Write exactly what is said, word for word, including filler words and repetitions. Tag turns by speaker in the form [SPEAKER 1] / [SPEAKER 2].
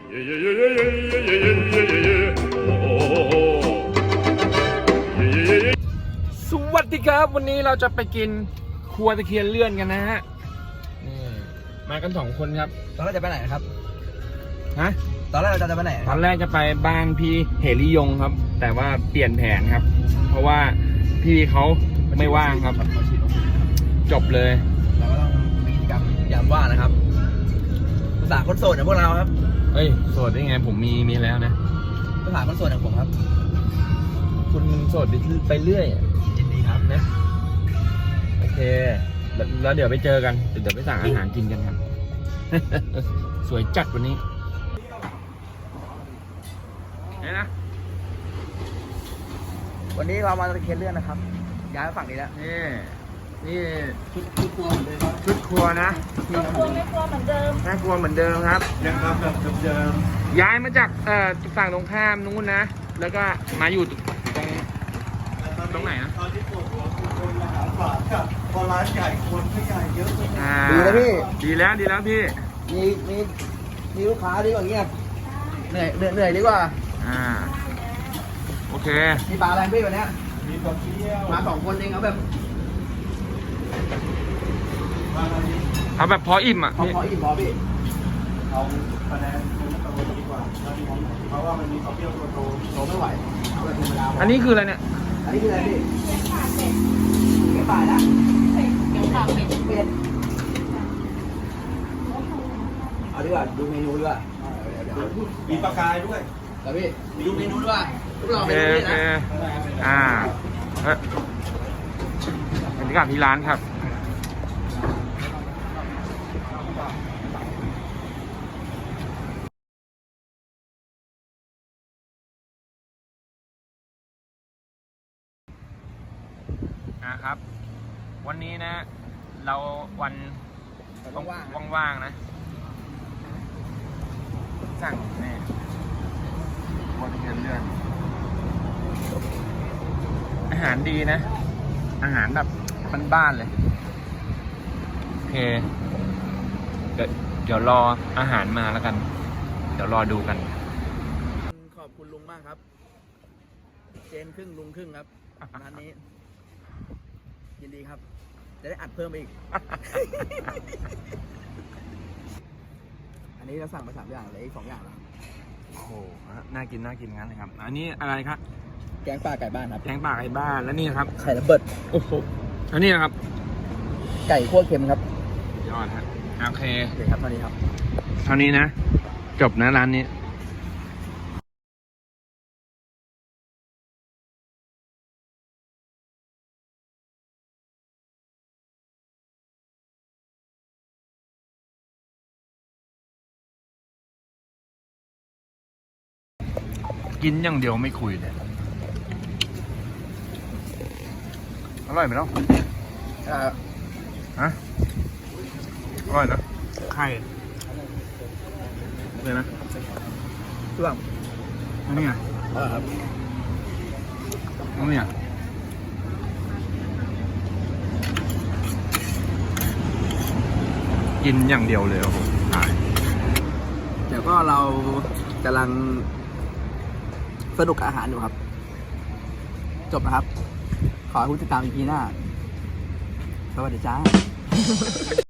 [SPEAKER 1] สวัสดีครับวันนี้เราจะไปกินครัวตะเคียนเลื่อนกันนะฮะนี่มากันสองคนครับ
[SPEAKER 2] ตอนแรกจะไปไหนครับ
[SPEAKER 1] ฮะ
[SPEAKER 2] ตอนแรกเราจะไปไหน
[SPEAKER 1] ตอนแรกจะไปบ้านพี่เหริยงครับแต่ว่าเปลี่ยนแผนครับเพราะว่าพี่เขาไม่ว่างครับจบเลย
[SPEAKER 2] เราก็ต้องมีกิจกรรมยามว่างนะครับภาษาคนโสดอย่างพวกเราครับ
[SPEAKER 1] เฮ้ยโสดได้ไงผมมีมีแล้วนะ
[SPEAKER 2] ภาษาคนโสดอย่างผมครับ
[SPEAKER 1] คุณโสดไปเรื่อย
[SPEAKER 2] ยินดีครับ
[SPEAKER 1] นะโอเคแล้วเดี๋ยวไปเจอกันเดี๋ยวไปสั่งอาหารกินกันครับ สวยจัดวันนี้นี่นะ
[SPEAKER 2] วันนี้เรามาตะเคียนเลื่อนนะครับย้ายมาฝั่งนี้แล้ว
[SPEAKER 1] นี่นี่
[SPEAKER 2] ชุดชุดครัวเหมือนเดิมครับ
[SPEAKER 1] ชุดครัวนะ
[SPEAKER 3] ครัวไม่ครัวเหมือนเดิม
[SPEAKER 1] แม่ครัวเหมือนเดิมครับ
[SPEAKER 2] ยังครับแบบเดิม
[SPEAKER 1] ย้ายมาจากเอ่อฝั่งตรงข้ามนู้นนะแล้วก็มาอยู่ตรงตรงไหนนะ
[SPEAKER 2] ตอนที่ปวดหัวคนมาหาฝากับพอร้านใหญ่คนไม่ใหญ่เยอะ
[SPEAKER 1] ดีแล้วพี่ดีแล้วดีแล้วพี่
[SPEAKER 2] มีมีมีลูกค้าดีกว่าเงียบเหนื่อยเหนื่อยดีกว่า
[SPEAKER 1] อ่าโอเค
[SPEAKER 2] มีปลาอะไรพี่วันนี้มีปลาเที่ยวมาสองคนเองเอาแบบ
[SPEAKER 1] เอาแบบพออิ่มอ่ะ
[SPEAKER 2] พอพออิ่มพอพี่เอาคะแนนตัวโตดีกว่าเพราะว่ามันมีข้าวเปรี้ยวตัวโตโตไม่ไหวเอาแบบธรรมดา
[SPEAKER 1] อันนี้คืออะไรเนี่ย
[SPEAKER 2] อันนี้คืออะไรพี่เก็บป่านะ
[SPEAKER 3] เก็บป่าเป็ด
[SPEAKER 2] เป็ดเอาดีกว่าดูเมนูดีกว่ามีปลากายด้วยแต่พี่ดูเมนูด้วยพวกเราเมนูนี้นะ
[SPEAKER 1] อ่าเฮ้ยบรรยากาศที่ร้านครับนะครับวันนี้นะเราวันว่างๆนะสั่งนี่วันเงินเดือนอาหารดีนะอาหารแบบบ้านๆเลยโอเคเดี๋ยวเดี๋ยวรออาหารมาแล้วกันเดี๋ยวรอดูกัน
[SPEAKER 2] ขอบคุณลุงมากครับเจนครึ่งลุงครึ่งครับร้านนี้ยินดีครับจะได้อัดเพิ่มอีก อันนี้เราสั่งมาสามอย่างเลยอีกสองอย่างแล้ว
[SPEAKER 1] โอ้โหน่ากินน่ากินงั้นเลยครับอันนี้อะไรครับ
[SPEAKER 2] แกงป่าไก่บ้านครับ
[SPEAKER 1] แกงป่าไก่บ้านแล้วนี่ครับ
[SPEAKER 2] ไข่ระเบิด
[SPEAKER 1] โอ้โหอันนี้นะครับ
[SPEAKER 2] ไก่คั่วเค็มครับ
[SPEAKER 1] ยอดฮะโอเค
[SPEAKER 2] โอเคครับเท่านี้ครับ
[SPEAKER 1] เท่านี้นะจบนะร้านนี้กินอย่างเดียวไม่คุยเลยอร่อยไหมเนาะ
[SPEAKER 2] อ่า
[SPEAKER 1] ฮะอร่อยนะไข่เลยนะ
[SPEAKER 2] เครื่อง
[SPEAKER 1] อันนี้ไง
[SPEAKER 2] อร่อยครับ
[SPEAKER 1] อันนี้กินอย่างเดียวเลยโอ้โหตาย
[SPEAKER 2] เดี๋ยวก็เรากำลังสนุกกับอาหารอยู่ครับจบนะครับขอให้คุณติดตามอีพีหน้าสวัสดีจ้า